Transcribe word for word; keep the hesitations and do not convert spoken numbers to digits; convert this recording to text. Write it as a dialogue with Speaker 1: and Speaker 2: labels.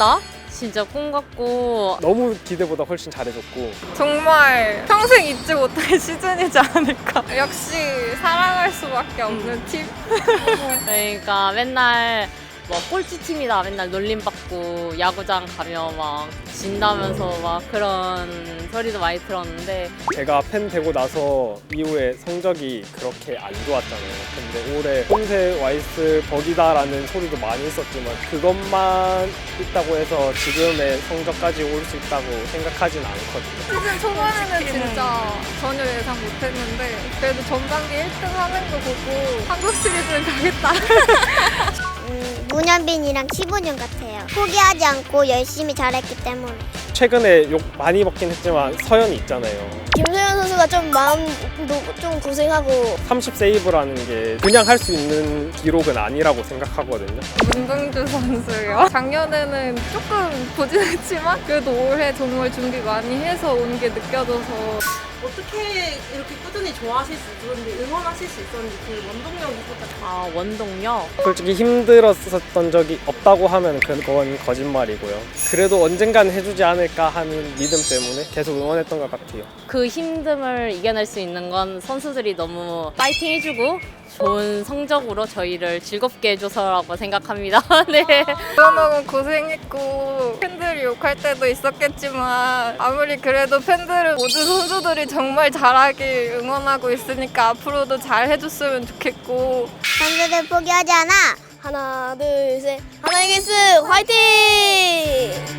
Speaker 1: 같다. 진짜 꿈 같고
Speaker 2: 너무 기대보다 훨씬 잘해줬고
Speaker 3: 정말 평생 잊지 못할 시즌이지 않을까. 역시 사랑할 수밖에 없는 팀.
Speaker 1: 그러니까 맨날 뭐 꼴찌팀이다 맨날 놀림받고 야구장 가면 막 진다면서 막 그런 소리도 많이 들었는데
Speaker 2: 제가 팬 되고 나서 이후에 성적이 그렇게 안 좋았잖아요. 근데 올해 홈세 와있을 덕이다라는 소리도 많이 있었지만 그것만 있다고 해서 지금의 성적까지 올 수 있다고 생각하진 않거든요.
Speaker 3: 시즌 초반에는 진짜 전혀 예상 못했는데 그래도 전반기 일 등 하는 거 보고 한국 시리즈는 가겠다.
Speaker 4: 음, 문현빈이랑 십오 년 같아요. 포기하지 않고 열심히 잘했기 때문에.
Speaker 2: 최근에 욕 많이 먹긴 했지만 서현이 있잖아요.
Speaker 4: 김소연 선수가 좀 마음도 좀 고생하고
Speaker 2: 삼십 세이브라는 게 그냥 할 수 있는 기록은 아니라고 생각하거든요.
Speaker 3: 문동주 선수요. 작년에는 조금 부진했지만 그래도 올해 정말 준비 많이 해서 온 게 느껴져서
Speaker 5: 어떻게 이렇게 꾸준히 좋아하실 수 있었는지, 응원하실 수 있었는지 그 원동력이 있었다.
Speaker 1: 아 원동력?
Speaker 2: 솔직히 힘들었었던 적이 없다고 하면 그건 거짓말이고요. 그래도 언젠간 해주지 않을까 하는 믿음 때문에 계속 응원했던 것 같아요.
Speaker 1: 그 힘듦을 이겨낼 수 있는 건 선수들이 너무 파이팅 해주고 좋은 성적으로 저희를 즐겁게 해줘서라고 생각합니다. 네.
Speaker 3: 너무 고생했고 팬들이 욕할 때도 있었겠지만 아무리 그래도 팬들은 모든 선수들이 정말 잘하길 응원하고 있으니까 앞으로도 잘 해줬으면 좋겠고
Speaker 4: 선수들 포기하지 않아. 하나 둘 셋. 하나 이글스 화이팅!